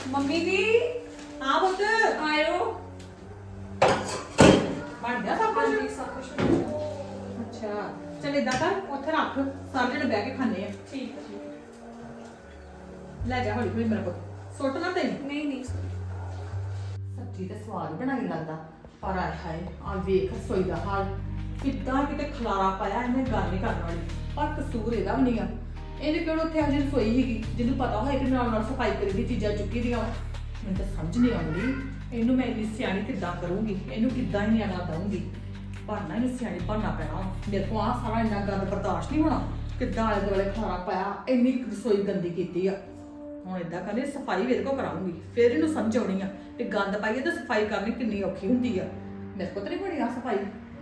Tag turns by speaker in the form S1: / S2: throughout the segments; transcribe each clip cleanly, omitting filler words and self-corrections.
S1: Mummy ਜੀ
S2: ਹਾਂ ਪੁੱਤ
S1: ਆਇਓ।
S2: ਬਣ ਗਿਆ ਸਭ ਕੁਝ
S1: ਹਾਂਜੀ ਸਭ ਕੁਝ
S2: ਅੱਛਾ ਚਲ ਏਦਾਂ ਕਰ ਉੱਥੇ ਰੱਖ ਸਾਰੇ ਜਣੇ ਬਹਿ ਕੇ ਖਾਣੇ ਆ
S1: ਠੀਕ ਹੈ।
S2: ਲੈ ਜਾ ਹੌਲੀ ਹੌਲੀ ਮੇਰਾ ਪੁੱਤ ਸੁੱਟ ਨਾ ਤੈਨੂੰ
S1: ਨਹੀਂ ਨਹੀਂ
S2: ਸਬਜ਼ੀ ਤੇ ਸਵਾਦ ਬਣਾਈ ਲੱਗਦਾ ਪਰ ਆਏ ਹਾਏ ਆ ਵੇਖ ਰਸੋਈ ਦਾ ਹਾਲ ਕਿੱਦਾਂ ਕਿਤੇ ਖਲਾਰਾ ਪਾਇਆ ਇਹਨੇ ਗੱਲ ਨਹੀਂ ਕਰਨ ਵਾਲੀ ਪਰ ਕਸੂਰ ਇਹਦਾ ਵੀ ਨਹੀਂ ਆ ਇਹਨੇ ਕਿਹੜਾ ਉੱਥੇ ਅਜੇ ਰਸੋਈ ਸੀਗੀ ਜਿਹਨੂੰ ਪਤਾ ਹੋਏ ਕਿ ਨਾਲ ਨਾਲ ਸਫਾਈ ਕਰੀ ਦੀ ਚੀਜ਼ਾਂ ਚੁੱਕੀ ਦੀਆਂ ਵਾਂ। ਮੈਨੂੰ ਤਾਂ ਸਮਝ ਨਹੀਂ ਆਉਂਦੀ ਇਹਨੂੰ ਮੈਂ ਇੰਨੀ ਸਿਆਣੀ ਕਿੱਦਾਂ ਕਰੂੰਗੀ ਇਹਨੂੰ ਕਿੱਦਾਂ ਹੀ ਆਣਾ ਦਊਂਗੀ ਪਰ ਨਾ ਇਹਨੂੰ ਸਿਆਣੀ ਬਣਨਾ ਪੈਣਾ ਮੇਰੇ ਕੋਲ ਆ ਸਾਰਾ ਇੰਨਾ ਗੰਦ ਬਰਦਾਸ਼ਤ ਨਹੀਂ ਹੋਣਾ ਕਿੱਦਾਂ ਆਲੇ ਦੁਆਲੇ ਖਲਾਰਾ ਪਾਇਆ ਇੰਨੀ ਰਸੋਈ ਗੰਦੀ ਕੀਤੀ ਆ ਹੁਣ ਏਦਾਂ ਕਰਨੀ ਸਫਾਈ ਵੀ ਇਹਦੇ ਕੋਲ ਕਰਾਉਂਗੀ ਫਿਰ ਇਹਨੂੰ ਸਮਝ ਆਉਣੀ ਆ ਕਿ ਗੰਦ ਪਾਈਏ ਤਾਂ ਸਫਾਈ ਕਰਨੀ ਕਿੰਨੀ ਔਖੀ ਹੁੰਦੀ ਆ ਮੇਰੇ ਕੋਲ ਤਾਂ ਨਹੀਂ ਬਣੀ ਆ ਸਫਾਈ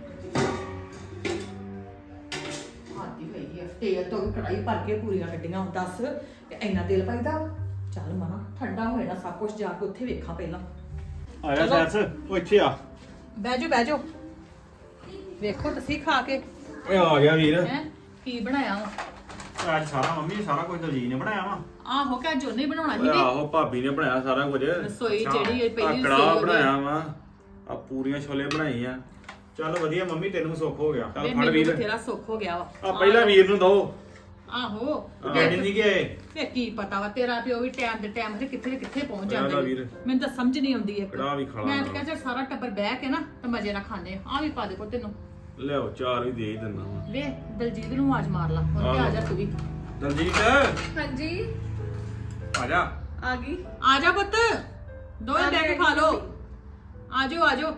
S2: ਆਦੀ ਹੋਈ ਆ ਤੇਲ ਤੋਂ ਵੀ ਕੜਾਈ ਭਰ ਕੇ ਪੂਰੀਆਂ ਕੱਢੀਆਂ ਦੱਸ ਕਿ ਇੰਨਾ ਤੇਲ ਪਾਈਦਾ ਚੱਲ ਮਨਾ ਠੰਡਾ ਹੋਏ ਨਾ ਸਭ ਕੁਝ ਜਾ ਕੇ ਉੱਥੇ ਵੇਖਾਂ ਪਹਿਲਾਂ
S3: ਆਇਆ ਸੈਸ ਉਹ ਇੱਥੇ ਆ
S2: ਬਹਿ ਜਾਓ ਵੇਖੋ ਤੁਸੀਂ ਖਾ ਕੇ
S3: ਓਏ ਆ ਗਿਆ ਵੀਰ
S2: ਹੈ ਕੀ ਬਣਾਇਆ ਵਾ
S3: ਅੱਜ ਸਾਰਾ ਮੰਮੀ ਸਾਰਾ ਕੁਝ ਦਲਜੀਤ ਨੇ ਬਣਾਇਆ ਵਾ
S2: ਆਹੋ ਕਿ ਅੱਜ ਉਹਨੇ ਬਣਾਉਣਾ ਸੀ
S3: ਓਏ
S2: ਵੀ
S3: ਆਹੋ ਭਾਬੀ ਨੇ ਬਣਾਇਆ ਸਾਰਾ ਕੁਝ
S2: ਰਸੋਈ ਜਿਹੜੀ ਇਹ ਪਹਿਲੀ
S3: ਕੜਾਹ
S2: ਰਸੋਈ
S3: ਬਣਾਇਆ ਵਾ ਆ ਪੂਰੀਆਂ ਛੋਲੇ ਬਣਾਈ ਆ ਚੱਲ ਵਧੀਆ ਮੰਮੀ ਤੈਨੂੰ ਸੁੱਖ ਹੋ ਗਿਆ ਚੱਲ ਫੜ
S2: ਮੈਨੂੰ
S3: ਵੀਰ
S2: ਬਥੇਰਾ ਸੁੱਖ ਹੋ ਗਿਆ ਵਾ
S3: ਆ ਪਹਿਲਾਂ ਵੀਰ ਨੂੰ ਦੋ
S2: ਆਹੋ
S3: ਡੈਡੀ ਨਹੀਂ ਗਏ
S2: ਤੇ ਕੀ ਪਤਾ ਵਾ ਤੇਰਾ ਪਿਓ ਵੀ ਟਾਈਮ ਦੇ ਟਾਈਮ ਤੇ ਕਿੱਥੇ ਕਿੱਥੇ ਪਹੁੰਚ
S3: ਮੇਰਾ
S2: ਜਾਂਦਾ
S3: ਵੀਰ।
S2: ਮੈਨੂੰ ਤਾਂ ਸਮਝ ਨਹੀਂ ਆਉਂਦੀ ਇੱਕ
S3: ਕੜਾਹ ਵੀ ਖਾ ਲਾ
S2: ਮੈਂ ਤਾਂ ਕਹਿੰਦਾ ਸਾਰਾ ਟੱਬਰ ਬਹਿ ਕੇ ਨਾ ਤੇ ਮਜ਼ੇ ਨਾਲ ਖਾਣੇ ਆ ਵੀ ਪਾ ਦੇ ਕੋ ਤੈਨੂੰ
S3: ਲਿਆਓ ਚਾਰ ਵੀ ਦੇ ਹੀ ਦਿੰਦਾ ਵਾ
S2: ਵੇ ਦਲਜੀਤ ਨੂੰ ਆਵਾਜ਼ ਮਾਰ ਲਾ ਉਹ ਆ ਜਾ ਤੂੰ ਵੀ
S3: ਦਲਜੀਤ
S1: ਹਾਂਜੀ
S3: ਆ ਜਾ
S1: ਆ ਗਈ।
S2: ਆ ਜਾ ਪੁੱਤ ਦੋਵੇਂ ਬਹਿ ਕੇ ਖਾ ਲੋ ਆਜੋ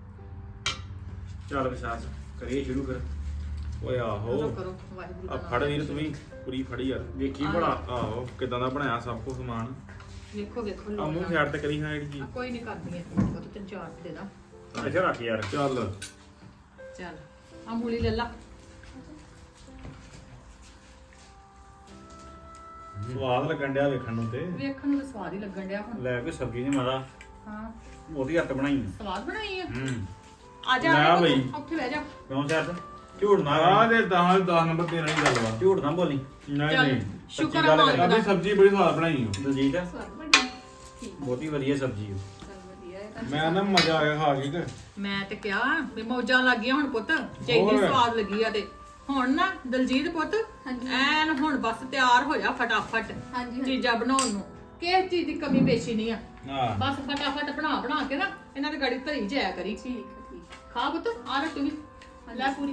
S3: ਚੱਲ ਵਿਸ਼ਾਸ ਕਰੀਏ ਸ਼ੁਰੂ ਕਰ ਓਏ ਆਹੋ
S2: ਕਰੋ ਵਾਹਿਗੁਰੂ
S3: ਆ
S2: ਦਾ
S3: ਫੜ
S2: ਨਾਮ
S3: ਵੀਰ ਤੂੰ ਵੀ ਪੂਰੀ ਫੜੀ ਯਾਰ ਵੇਖੀ ਬੜਾ ਆਹੋ ਕਿਦਾਂ ਦਾ ਬਣਾਇਆ ਸਭ ਕੁਝ ਸਮਾਨ
S2: ਵੇਖੋ
S3: ਆ
S2: ਲੋ
S3: ਮੂੰਹ ਸਾਈਡ ਤੇ ਕਰੀ ਹਾਂ ਜਿਹੜੀ ਚੀਜ਼
S2: ਕੋਈ ਨਹੀਂ ਕਰਦੀ ਐ ਉਹ ਤੇ ਚਾਰ ਦੇ ਦਾ
S3: ਇੱਥੇ ਰੱਖ ਯਾਰ ਚੱਲ
S2: ਚੱਲ ਆ ਮੂਲੀ ਲੈ ਲਾ
S3: ਸਵਾਦ ਲੱਗਣ ਡਿਆ ਵੇਖਣ ਨੂੰ ਤੇ
S2: ਵੇਖਣ ਨੂੰ ਤਾਂ ਸਵਾਦ ਹੀ ਲੱਗਣ ਡਿਆ ਹੁਣ
S3: ਲੈ ਕੇ ਸਬਜ਼ੀ ਨਹੀਂ ਮਾਦਾ
S2: ਹਾਂ
S3: ਉਹਦੀ ਹੱਥ ਬਣਾਈ
S2: ਸਵਾਦ ਬਣਾਈ ਆ
S3: ਹੂੰ
S2: ਆ ਜਾ
S3: ਲੈ ਬਈ।
S2: ਉੱਥੇ ਬਹਿ ਜਾ
S3: ਕਿਉਂ ਸ਼ਰਤ ਝੂਠ ਨਾ
S4: ਆ ਦੇ 10 ਨੰਬਰ ਤੇਰਾ ਨਹੀਂ ਗੱਲ ਵਾ
S3: ਝੂਠ ਨਾ ਬੋਲੀ
S4: ਨਹੀਂ
S2: ਚੱਲ,
S4: ਨਹੀਂ
S2: ਸ਼ੁਕਰ
S3: ਸੱਚੀ
S2: ਆ
S3: ਗੱਲ
S2: ਮਾਲਕ
S3: ਕਰੀ।
S2: ਦਾ।
S4: ਆਦੀ ਸਬਜ਼ੀ ਬੜੀ ਸਵਾਦ ਬਣਾਈ ਓ
S3: ਦਲਜੀਤ
S2: ਸਵਾਦ ਬਣੀ ਠੀਕ
S3: ਬਹੁਤੀ ਵਧੀਆ ਸਬਜ਼ੀ ਓ
S2: ਚੱਲ ਵਧੀਆ ਹੈ ਤਾਂ
S4: ਮੈਂ ਨਾ ਮਜ਼ਾ ਆਇਆ ਖਾ ਕੇ ਤੇ
S2: ਮੈਂ ਤੇ ਕਿਹਾ ਵੀ ਮੌਜਾਂ ਲੱਗ ਗਈਆਂ ਹੁਣ ਪੁੱਤ ਚਾਹੀਦੀ
S4: ਹੋਰ।
S2: ਸਵਾਦ ਲੱਗੀ ਆ ਤੇ ਹੁਣ ਨਾ ਦਲਜੀਤ ਪੁੱਤ
S1: ਹਾਂਜੀ।
S2: ਐਨ ਹੁਣ ਬਸ ਤਿਆਰ ਹੋ ਜਾ ਫਟਾਫਟ
S1: ਹਾਂਜੀ।
S2: ਚੀਜ਼ਾਂ ਬਣਾਉਣ ਨੂੰ ਕਿਸ ਚੀਜ਼ ਦੀ ਕਮੀ ਪੇਸ਼ੀ ਨਹੀਂ ਆ
S4: ਹਾਂ
S2: ਬਸ ਫਟਾਫਟ ਬਣਾ ਕੇ ਨਾ ਇਹਨਾਂ ਦੀ ਗਾੜੀ ਧਰੀ ਜਾਇਆ ਕਰੀ
S1: ਠੀਕ ਹੈ ਠੀਕ।
S2: ਖਾ ਪੁੱਤ ਆ ਰੋ ਤੂੰ ਵੀ ਲੈ ਪੂਰੀ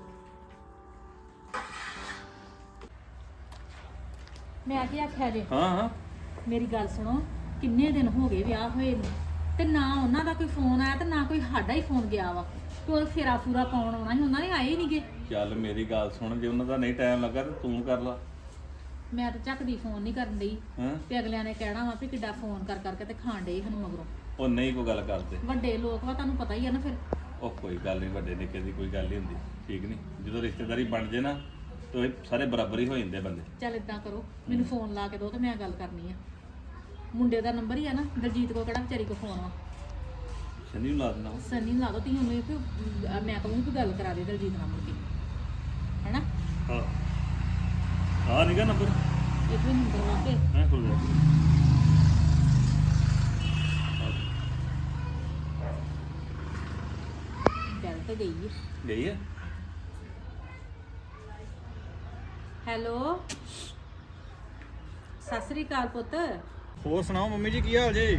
S5: ਮੈਂ ਕੀ ਆਖਿਆ ਜੇ
S3: ਹਾਂ ਹਾਂ
S5: ਮੇਰੀ ਗੱਲ ਸੁਣੋ ਕਿੰਨੇ ਦਿਨ ਹੋ ਗਏ ਵਿਆਹ ਹੋਏ ਨੂੰ ਤੇ ਨਾ ਉਹਨਾਂ ਦਾ ਕੋਈ ਫੋਨ ਆਇਆ ਤੇ ਨਾ ਕੋਈ ਸਾਡਾ ਹੀ ਫੋਨ ਗਿਆ ਵਾ ਤੇ ਉਹ ਫੇਰਾ ਫੂਰਾ ਪਾਉਣ ਆਉਣਾ ਸੀ ਉਹਨਾਂ ਨੇ ਆਏ ਹੀ ਨਹੀਂਗੇ
S6: ਚੱਲ ਮੇਰੀ ਗੱਲ ਸੁਣ ਜੇ ਉਹਨਾਂ ਦਾ ਨਹੀਂ ਟਾਈਮ ਲੱਗਾ ਤੇ ਤੂੰ ਕਰ ਲਾ
S5: ਮੈਂ ਤਾਂ ਝੱਕਦੀ ਫੋਨ ਨਹੀਂ ਕਰਨ ਡਈ
S6: ਹਾਂ
S5: ਤੇ ਅਗਲਿਆਂ ਨੇ ਕਹਿਣਾ ਵਾ ਵੀ ਕਿੱਡਾ ਫੋਨ ਕਰ ਕਰਕੇ ਤੇ ਖਾਣ ਡੇ ਸਾਨੂੰ ਮਗਰੋਂ
S6: ਉਹ ਨਹੀਂ ਕੋਈ ਗੱਲ ਕਰਦੇ
S5: ਵੱਡੇ ਲੋਕ ਵਾ ਤੁਹਾਨੂੰ ਪਤਾ ਹੀ ਆ ਨਾ ਫਿਰ
S6: ਉਹ ਕੋਈ ਗੱਲ ਨਹੀਂ ਵੱਡੇ ਨਿੱਕੇ ਦੀ ਕੋਈ ਗੱਲ ਨਹੀਂ ਹੁੰਦੀ ਠੀਕ ਨਹੀਂ ਜਦੋਂ ਰਿਸ਼ਤੇਦਾਰੀ ਬਣ ਜੇ ਨਾ ਤੇ ਇਹ ਸਾਰੇ ਬਰਾਬਰ ਹੀ ਹੋ ਜਾਂਦੇ ਬੰਦੇ
S5: ਚੱਲ ਇਦਾਂ ਕਰੋ ਮੈਨੂੰ ਫੋਨ ਲਾ ਕੇ ਦਿਓ ਤੇ ਮੈਂ ਗੱਲ ਕਰਨੀ ਆ ਮੁੰਡੇ ਦਾ ਨੰਬਰ ਹੀ ਆ ਨਾ ਦਲਜੀਤ ਕੋ ਕਿਹੜਾ ਵਿਚਾਰੀ ਕੋ ਫੋਨ ਵਾ
S6: ਸ਼ਨੀ ਨੂੰ ਲਾ ਦੇਣਾ ਵਾ।
S5: ਸੰਨੀ ਨੂੰ ਲਾ ਦੋ ਤੀ ਉਹਨੂੰ ਵੀ ਮੈਂ ਕਹੂੰਗੀ ਵੀ ਗੱਲ ਕਰਾ ਦੇ ਦਲਜੀਤ ਨਾਲ ਮੁੜ ਕੇ ਹੈਨਾ
S6: ਹਾਂ ਆ ਨਿਕਾ ਨੰਬਰ
S5: ਇੱਕ ਵੀ ਨੰਬਰ ਲਾ ਕੇ
S6: ਹੈ ਖੁੱਲ ਜਾ
S5: ਗੱਲ ਤੇ ਗਈ ਹੈ
S6: ਗਈ ਹੈ
S5: ਹੈਲੋ ਸਤਿ ਸ੍ਰੀ ਅਕਾਲ ਪੁੱਤ
S3: ਹੋਰ ਸੁਣਾਓ ਮੰਮੀ ਜੀ ਕੀ ਹਾਲ ਜੇ